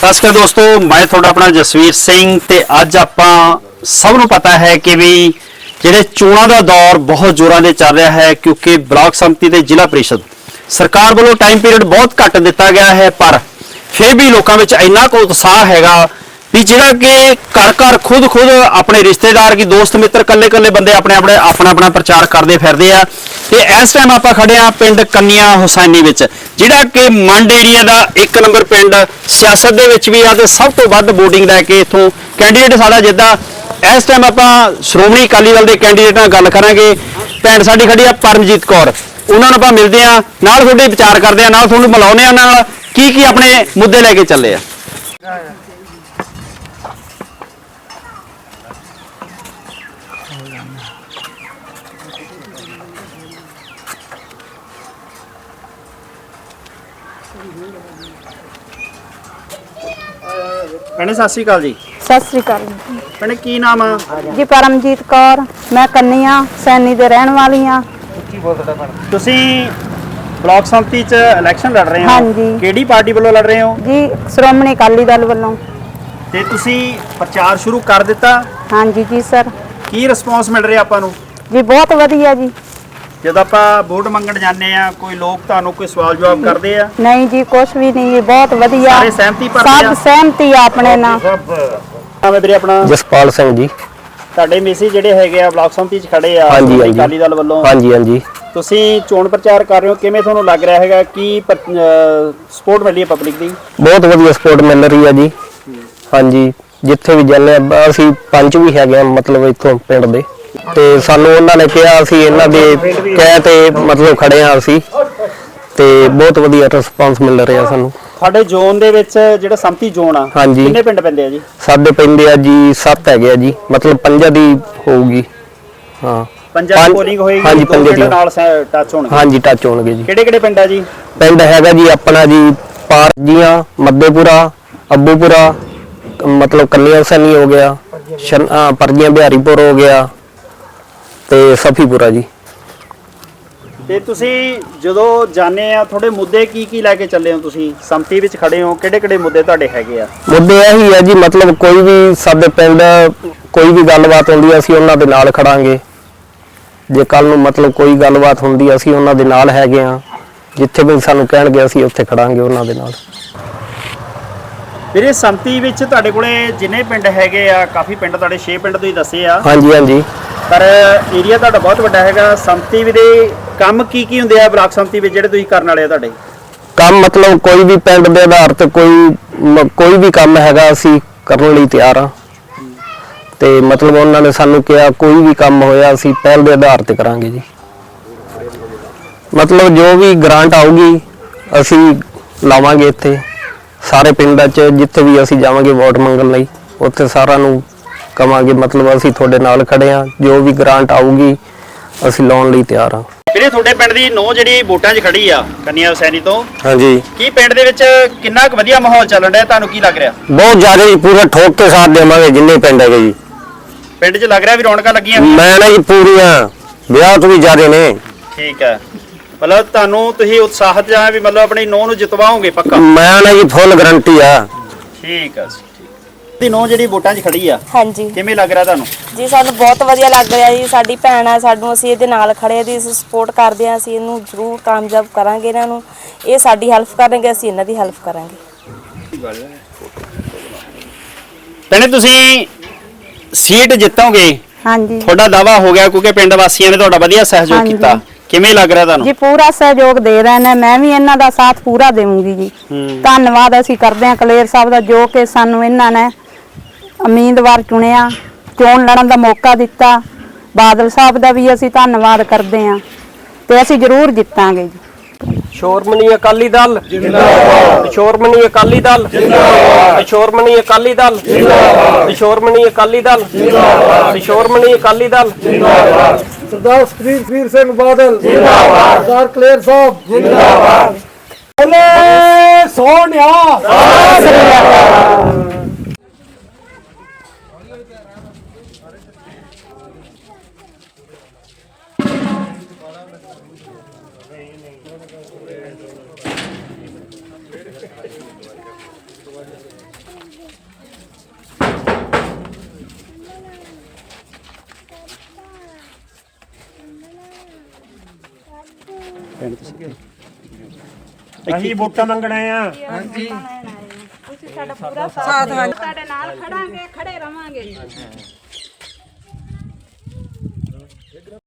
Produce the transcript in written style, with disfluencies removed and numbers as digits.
नमस्कार दोस्तों, मैं थोड़ा अपना जसवीर सिंह ते अज आपां सब नूं पता है कि भी ਜਿਹੜੇ ਚੋਣਾਂ ਦਾ ਦੌਰ ਬਹੁਤ ਜ਼ੋਰਾਂ ਦੇ ਚੱਲ ਰਿਹਾ ਹੈ ਕਿਉਂਕਿ ਬਲਾਕ ਸੰਮਤੀ ਤੇ ਜ਼ਿਲ੍ਹਾ ਪ੍ਰੀਸ਼ਦ ਸਰਕਾਰ ਵੱਲੋਂ ਟਾਈਮ ਪੀਰੀਅਡ ਬਹੁਤ ਘੱਟ ਦਿੱਤਾ ਗਿਆ ਹੈ, ਪਰ ਫਿਰ ਵੀ ਲੋਕਾਂ ਵਿੱਚ ਇੰਨਾ ਕੁ ਉਤਸ਼ਾਹ ਹੈਗਾ ਵੀ ਜਿਹੜਾ ਕਿ ਘਰ ਘਰ ਖੁਦ ਆਪਣੇ ਰਿਸ਼ਤੇਦਾਰ ਕੀ ਦੋਸਤ ਮਿੱਤਰ ਕੱਲੇ ਬੰਦੇ ਆਪਣਾ ਪ੍ਰਚਾਰ ਕਰਦੇ ਫਿਰਦੇ ਆ। ਤੇ ਇਸ ਟਾਈਮ ਆਪਾਂ ਖੜੇ ਆ ਪਿੰਡ ਕੰਨੀਆ ਹੁਸੈਨੀ ਵਿੱਚ, ਜਿਹੜਾ ਕਿ ਮੰਡ ਏਰੀਆ ਦਾ 1 ਨੰਬਰ ਪਿੰਡ ਸਿਆਸਤ ਦੇ ਵਿੱਚ ਵੀ ਆ ਤੇ ਸਭ ਤੋਂ ਵੱਧ VOTING ਲੈ ਕੇ ਇਥੋਂ ਕੈਂਡੀਡੇਟ ਸਾਡਾ ਜਿੱਦਾਂ इस टाइम आप श्रोमणी अकाली दल के कैंडीडेट नाल गल करांगे। भैन साडी खड़ी आ परमजीत कौर, उन्होंने आप मिलते हैं, नाल थोड़े विचार करते हैं, नाल थोड़े मिलाउने आ, नाल की अपने मुद्दे लैके चले आ। भैने सत श्री अकाल जी। सत श्री अकाल भैने की नाम जी? परमजीत कौर, मैं कन्निया सैनी दे रहन वाली हां। तुसी ब्लॉक संमति च इलेक्शन लड़ रहे हो? हाँ जी। केड़ी पार्टी वालों लड़ रहे हो जी? श्रोमणी अकाली दल वालों। ते तुसी प्रचार शुरू कर दिता? हाँ जी जी सर। की रिस्पॉन्स मिल रहा आपां नूं? जी बहुत वधिया जी। जब आप वोट मंगण जाने आ, कोई लोग तुहानू कोई सवाल जवाब करते हैं? नहीं जी, कुछ भी नहीं जी, बहुत वधिया। सारे सहमति पर सब सहमति अपने ना। नाम है वीरे अपना? जसपाल सिंह जी। ਤੁਹਾਡੇ ਮੇਸੀ ਜਿਹੜੇ ਹੈਗੇ ਆ ਬਲਾਕ ਸੰਮਤੀ ਚ ਖੜੇ ਆ ਅਕਾਲੀ ਦਲ ਵੱਲੋਂ? ਹਾਂਜੀ ਹਾਂਜੀ। ਤੁਸੀਂ ਚੋਣ ਪ੍ਰਚਾਰ ਕਰ ਰਹੇ ਹੋ, ਕਿਵੇਂ ਤੁਹਾਨੂੰ ਲੱਗ ਰਿਹਾ ਹੈਗਾ ਕੀ ਸਪੋਰਟ ਮਿਲ ਰਹੀ ਹੈ ਪਬਲਿਕ ਦੀ? ਬਹੁਤ ਵਧੀਆ ਸਪੋਰਟ ਮਿਲ ਰਹੀ ਹੈ ਜੀ। ਹਾਂਜੀ, ਜਿੱਥੇ ਵੀ ਜਾਂਦੇ ਆ ਅਸੀਂ ਪੰਚ ਵੀ ਹੈਗੇ ਆ, ਮਤਲਬ ਇੱਥੋਂ ਪਿੰਡ ਦੇ, ਤੇ ਸਾਨੂੰ ਉਹਨਾਂ ਨੇ ਕਿਹਾ ਅਸੀਂ ਇਹਨਾਂ ਦੇ ਕਹਿ ਤੇ ਮਤਲਬ ਖੜੇ ਆ ਅਸੀਂ, ਤੇ ਬਹੁਤ ਵਧੀਆ ਰਿਸਪਾਂਸ ਮਿਲ ਰਿਹਾ ਸਾਨੂੰ। ਸਾਡੇ ਜ਼ੋਨ ਦੇ ਵਿੱਚ ਜਿਹੜਾ ਸੰਮਤੀ ਜ਼ੋਨ ਆ, ਹਾਂਜੀ, ਕਿੰਨੇ ਪਿੰਡ ਪੈਂਦੇ ਆ ਜੀ? ਸਾਡੇ ਪੈਂਦੇ ਆ ਜੀ 7 ਹੈਗੇ ਆ ਜੀ, ਮਤਲਬ 5 ਦੀ ਹੋਊਗੀ। ਹਾਂ, 5 ਦੀ ਪੋਲਿੰਗ ਹੋਏਗੀ। ਹਾਂਜੀ, 5 ਦੀ ਨਾਲ ਟੱਚ ਹੋਣਗੇ। ਹਾਂਜੀ, ਟੱਚ ਹੋਣਗੇ ਜੀ। ਕਿਹੜੇ ਪਿੰਡ ਆ ਜੀ? ਪਿੰਡ ਹੈਗਾ ਜੀ ਆਪਣਾ ਜੀ ਪਾਰਜੀਆਂ, ਮੱਦੇਪੁਰਾ, ਅੱਬੂਪੁਰਾ, ਮਤਲਬ ਕੰਨੀਆ ਹੁਸੈਨੀ ਹੋ ਗਿਆ, ਪਰਜੀਆਂ ਬਿਹਾਰੀਪੁਰ ਹੋ ਗਿਆ ਤੇ ਸਫੀਪੁਰਾ ਜੀ। ਤੇ ਤੁਸੀਂ ਜਦੋਂ ਜਾਣੇ ਆ ਤੁਹਾਡੇ ਮੁੱਦੇ ਕੀ ਲੈ ਕੇ ਚੱਲੇ ਹੋ? ਤੁਸੀਂ ਸੰਮਤੀ ਵਿੱਚ ਖੜੇ ਹੋ, ਕਿਹੜੇ ਮੁੱਦੇ ਤੁਹਾਡੇ ਹੈਗੇ ਆ? ਮੁੱਦੇ ਇਹੀ ਹੈ ਜੀ, ਮਤਲਬ ਕੋਈ ਵੀ ਸਾਡੇ ਪਿੰਡ ਕੋਈ ਵੀ ਗੱਲਬਾਤ ਹੁੰਦੀ ਅਸੀਂ ਉਹਨਾਂ ਦੇ ਨਾਲ ਖੜਾਂਗੇ। ਜੇ ਕੱਲ ਨੂੰ ਮਤਲਬ ਕੋਈ ਗੱਲਬਾਤ ਹੁੰਦੀ ਅਸੀਂ ਉਹਨਾਂ ਦੇ ਨਾਲ ਹੈਗੇ ਆ, ਜਿੱਥੇ ਵੀ ਸਾਨੂੰ ਕਹਿਣਗੇ ਅਸੀਂ ਉੱਥੇ ਖੜਾਂਗੇ ਉਹਨਾਂ ਦੇ ਨਾਲ। ਵੀਰੇ ਸੰਮਤੀ ਵਿੱਚ ਤੁਹਾਡੇ ਕੋਲੇ ਜਿੰਨੇ ਪਿੰਡ ਹੈਗੇ ਆ, ਕਾਫੀ ਪਿੰਡ ਤੁਹਾਡੇ 6 ਪਿੰਡ ਤੁਸੀਂ ਦੱਸੇ ਆ। ਹਾਂਜੀ ਹਾਂਜੀ। ਪਰ ਏਰੀਆ ਤੁਹਾਡਾ ਬਹੁਤ ਵੱਡਾ ਹੈਗਾ। ਸੰਮਤੀ ਦੇ ਕੰਮ ਕੀ ਹੁੰਦੇ ਆ ਬਲਾਕ ਸੰਮਤੀ ਵਿੱਚ ਜਿਹੜੇ ਤੁਸੀਂ ਕਰਨ ਵਾਲੇ ਆ? ਤੁਹਾਡੇ ਕੰਮ ਮਤਲਬ ਕੋਈ ਵੀ ਪਿੰਡ ਦੇ ਆਧਾਰ ਤੇ ਕੋਈ ਵੀ ਕੰਮ ਹੈਗਾ ਅਸੀਂ ਕਰਨ ਲਈ ਤਿਆਰ ਆ, ਤੇ ਮਤਲਬ ਉਹਨਾਂ ਨੇ ਸਾਨੂੰ ਕਿਹਾ ਕੋਈ ਵੀ ਕੰਮ ਹੋਇਆ ਅਸੀਂ ਪਹਿਲ ਦੇ ਆਧਾਰ ਤੇ ਕਰਾਂਗੇ ਜੀ। ਮਤਲਬ ਜੋ ਵੀ ਗ੍ਰਾਂਟ ਆਊਗੀ ਅਸੀਂ ਲਾਵਾਂਗੇ ਇੱਥੇ ਸਾਰੇ ਪਿੰਡਾਂ 'ਚ, ਜਿੱਥੇ ਵੀ ਅਸੀਂ ਜਾਵਾਂਗੇ ਵੋਟ ਮੰਗਣ ਲਈ ਉੱਥੇ ਸਾਰਿਆਂ ਨੂੰ ਕਵਾਂਗੇ ਮਤਲਬ ਅਸੀਂ ਤੁਹਾਡੇ ਨਾਲ ਖੜੇ ਆ, ਜੋ ਵੀ ਗ੍ਰਾਂਟ ਆਊਗੀ ਅਸੀਂ ਲਾਉਣ ਲਈ ਤਿਆਰ ਆ। ਵੀਰੇ ਤੁਹਾਡੇ ਪਿੰਡ ਦੀ ਨੋ ਜਿਹੜੀ ਵੋਟਾਂ 'ਚ ਖੜੀ ਆ ਕੰਨੀਆ ਹੁਸੈਨੀ ਤੋਂ, ਹਾਂਜੀ, ਕੀ ਪਿੰਡ ਦੇ ਵਿੱਚ ਕਿੰਨਾ ਕੁ ਵਧੀਆ ਮਾਹੌਲ ਚੱਲਣ ਰਿਹਾ? ਤੁਹਾਨੂੰ ਕੀ ਲੱਗ ਰਿਹਾ? ਬਹੁਤ ਜ਼ਿਆਦਾ ਜੀ, ਪੂਰਾ ਠੋਕ ਕੇ ਸਾਥ ਦੇਵਾਂਗੇ ਜਿੰਨੇ ਪਿੰਡ ਹੈਗੇ ਜੀ। ਪਿੰਡ 'ਚ ਲੱਗ ਰਿਹਾ ਵੀ ਰੌਣਕਾਂ ਲੱਗੀਆਂ? ਮੈਂ ਨਾ ਜੀ ਪੂਰੀਆਂ ਵਿਆਹ ਤੋਂ ਵੀ ਜ਼ਿਆਦੇ ਨੇ। ਠੀਕ ਹੈ, ਮਤਲਬ ਤੁਹਾਨੂੰ ਤੁਸੀਂ ਉਤਸ਼ਾਹਤ ਜਾਂ ਵੀ ਮਤਲਬ ਆਪਣੀ ਨੋ ਨੂੰ ਜਿਤਵਾਓਗੇ ਪੱਕਾ? ਮੈਂ ਨਾ ਜੀ ਫੁੱਲ ਗਰੰਟੀ ਆ। ਠੀਕ ਹੈ ਦੀ ਨੋ ਜਿਹੜੀ ਵੋਟਾਂ 'ਚ ਖੜੀ ਆ, ਹਾਂਜੀ, ਕਿਵੇਂ ਲੱਗ ਰਿਹਾ ਤੁਹਾਨੂੰ? ਜੀ ਸਾਨੂੰ ਬਹੁਤ ਵਧੀਆ ਲੱਗ ਰਿਹਾ ਜੀ। ਸਾਡੀ ਭੈਣ ਆ, ਸਾਨੂੰ ਅਸੀਂ ਇਹਦੇ ਨਾਲ ਖੜੇ ਆ, ਅਸੀਂ ਸਪੋਰਟ ਕਰਦੇ ਆ, ਅਸੀਂ ਇਹਨੂੰ ਜ਼ਰੂਰ ਕਾਮਯਾਬ ਕਰਾਂਗੇ। ਇਹਨਾਂ ਨੂੰ ਇਹ ਸਾਡੀ ਹੈਲਪ ਕਰਨਗੇ, ਅਸੀਂ ਇਹਨਾਂ ਦੀ ਹੈਲਪ ਕਰਾਂਗੇ। ਭੈਣੇ ਤੁਸੀਂ ਸੀਟ ਜਿੱਤੋਗੇ? ਹਾਂਜੀ, ਤੁਹਾਡਾ ਦਾਵਾ ਹੋ ਗਿਆ ਕਿਉਂਕਿ ਪਿੰਡ ਵਾਸੀਆਂ ਨੇ ਤੁਹਾਡਾ ਵਧੀਆ ਸਹਿਯੋਗ ਕੀਤਾ। ਕਿਵੇਂ ਲੱਗ ਰਿਹਾ ਤੁਹਾਨੂੰ? ਜੀ ਪੂਰਾ ਸਹਿਯੋਗ ਦੇ ਰਹੇ ਨੇ, ਮੈਂ ਵੀ ਇਹਨਾਂ ਦਾ ਸਾਥ ਪੂਰਾ ਦੇਵਾਂਗੀ ਜੀ। ਧੰਨਵਾਦ ਅਸੀਂ ਕਰਦੇ ਹਾਂ ਕਲੇਰ ਸਾਹਿਬ ਦਾ, ਜੋ ਕਿ ਸਾਨੂੰ ਇਹਨਾਂ ਨੇ ਉਮੀਦਵਾਰ ਚੁਣਿਆ, ਚੋਣ ਲੜਨ ਦਾ ਮੌਕਾ ਦਿੱਤਾ। ਬਾਦਲ ਸਾਹਿਬ ਦਾ ਵੀ ਅਸੀਂ ਧੰਨਵਾਦ ਕਰਦੇ ਹਾਂ, ਤੇ ਅਸੀਂ ਜ਼ਰੂਰ ਜਿੱਤਾਂਗੇ ਜੀ। ਸ਼੍ਰੋਮਣੀ ਅਕਾਲੀ ਦਲ ਜਿੰਦਾਬਾਦ, ਸ਼੍ਰੋਮਣੀ ਅਕਾਲੀ ਦਲ ਜਿੰਦਾਬਾਦ, ਸ਼੍ਰੋਮਣੀ ਅਕਾਲੀ ਦਲ ਜਿੰਦਾਬਾਦ, ਸ਼੍ਰੋਮਣੀ ਅਕਾਲੀ ਦਲ ਜਿੰਦਾਬਾਦ, ਸ਼੍ਰੋਮਣੀ ਅਕਾਲੀ ਦਲ ਜਿੰਦਾਬਾਦ। सरदार सुखबीर सिंह बादल जिंदाबाद, सरदार कलेर साहब जिंदाबाद। बोले सोनिया। ਅਸੀਂ ਵੋਟਾਂ ਮੰਗਣ ਆਏ ਆ। ਤੁਸੀਂ ਸਾਡਾ ਪੂਰਾ ਸਾਥ ਤੁਹਾਡੇ ਨਾਲ ਖੜਾਂਗੇ, ਖੜੇ ਰਵਾਂਗੇ।